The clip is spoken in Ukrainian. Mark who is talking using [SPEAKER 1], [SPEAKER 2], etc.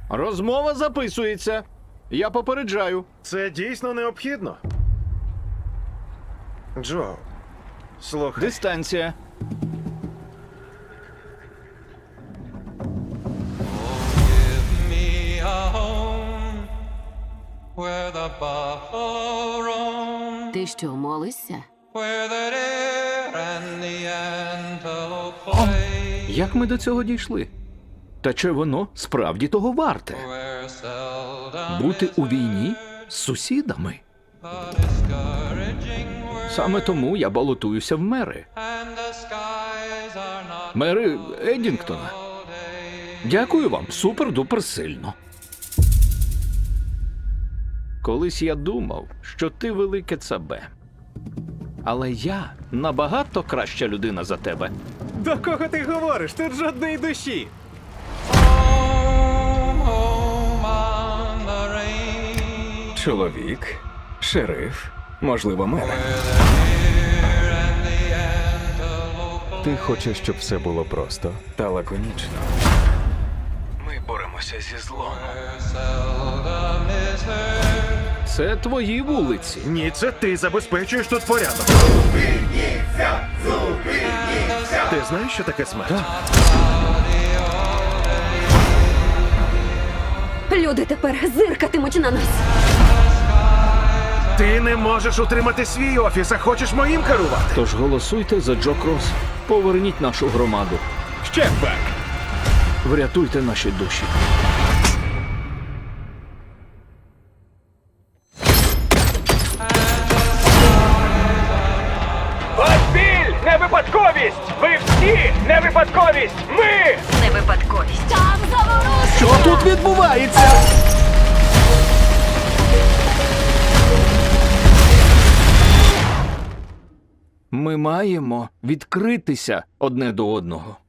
[SPEAKER 1] Розмова записується. Я попереджаю.
[SPEAKER 2] Це дійсно необхідно. Джо, слухай.
[SPEAKER 1] Дистанція.
[SPEAKER 3] me a home where the buffalo roam,
[SPEAKER 4] Ти що, молишся?
[SPEAKER 3] where the deer and the antelope play,
[SPEAKER 1] Як ми до цього дійшли? Та чи воно справді того варте?
[SPEAKER 3] where seldom
[SPEAKER 1] Бути у війні з сусідами?
[SPEAKER 3] the discouraging word,
[SPEAKER 1] Саме тому я балотуюся в мери.
[SPEAKER 3] and the skies are not
[SPEAKER 1] Мери Еддінгтона. Дякую вам, супер-дупер сильно. Колись я думав, що ти велике цабе. Але я набагато краща людина за тебе.
[SPEAKER 5] До кого ти говориш? Тут жодної душі.
[SPEAKER 3] home, home on the range,
[SPEAKER 5] Чоловік, шериф, можливо, мер. Ти хочеш, щоб все було просто та лаконічно. Ми боремося зі злом.
[SPEAKER 3] seldom is heard.
[SPEAKER 1] Це твої вулиці.
[SPEAKER 2] Ні, це ти забезпечуєш тут порядок. Ти знаєш, що таке смерть?
[SPEAKER 4] Люди тепер зиркатимуть на нас.
[SPEAKER 2] Ти не можеш утримати свій офіс, а хочеш моїм керувати.
[SPEAKER 1] Тож голосуйте за Джо Кросс. Поверніть нашу громаду.
[SPEAKER 5] Ще бак!
[SPEAKER 1] Врятуйте наші душі.
[SPEAKER 6] Ось біль! Не випадковість! Ви всі не випадковість! Ми!
[SPEAKER 4] Не випадковість. Там заворушення!
[SPEAKER 1] Що тут відбувається? Ми маємо відкритися одне до одного.